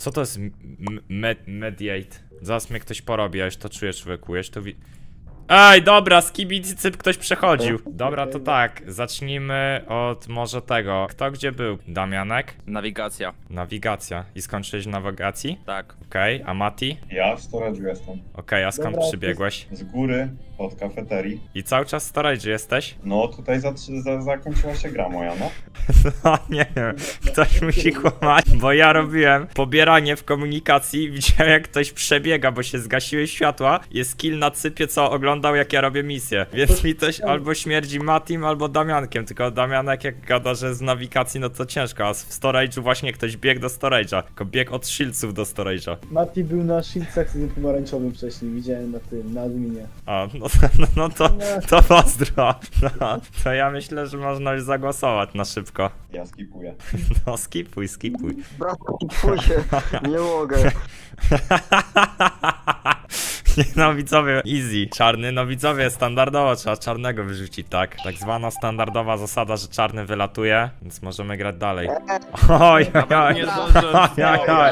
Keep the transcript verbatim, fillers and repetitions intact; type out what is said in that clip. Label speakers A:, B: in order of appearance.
A: Co to jest m- med mediate? Zaraz mnie ktoś porobi, ja już to czuję, człowieku, już to wi... Ej, dobra, skibicy cyp ktoś przechodził. Dobra, to tak, zacznijmy od może tego. Kto gdzie był? Damianek?
B: Nawigacja.
A: Nawigacja. I skończyłeś w nawigacji?
B: Tak.
A: Okej, a Mati?
C: Ja w storage'u jestem.
A: Okej, a skąd
D: Dobra,
A: przybiegłeś?
C: Z góry, od kafeterii.
A: I cały czas w storage jesteś?
C: No tutaj za, za, zakończyła się gra moja, no.
A: No nie wiem, ktoś musi kłamać, bo ja robiłem pobieranie w komunikacji, widziałem jak ktoś przebiega, bo się zgasiły światła, jest kill na cypie, co oglądał jak ja robię misję, więc mi też albo śmierdzi Matim, albo Damiankiem, tylko Damianek jak gada, że z nawigacji, no to ciężko, a w storage'u właśnie ktoś biegł do storage'a, tylko biegł od shieldsów do storage'a.
D: Mati był na shieldsach z tym pomarańczowym wcześniej, widziałem na tym, na adminie.
A: A, no, no, no to, to pozdro, no, to ja myślę, że można już zagłosować na szybko.
C: Ja skipuję.
A: No skipuj, skipuj.
E: Bratku, twój się, nie mogę.
A: Nie, no widzowie, easy. Czarny, no widzowie, standardowo trzeba czarnego wyrzucić, tak? Tak zwana standardowa zasada, że czarny wylatuje, więc możemy grać dalej. Oj, oj, oj,
B: Nie zdążyłem.
A: oj, oj, oj.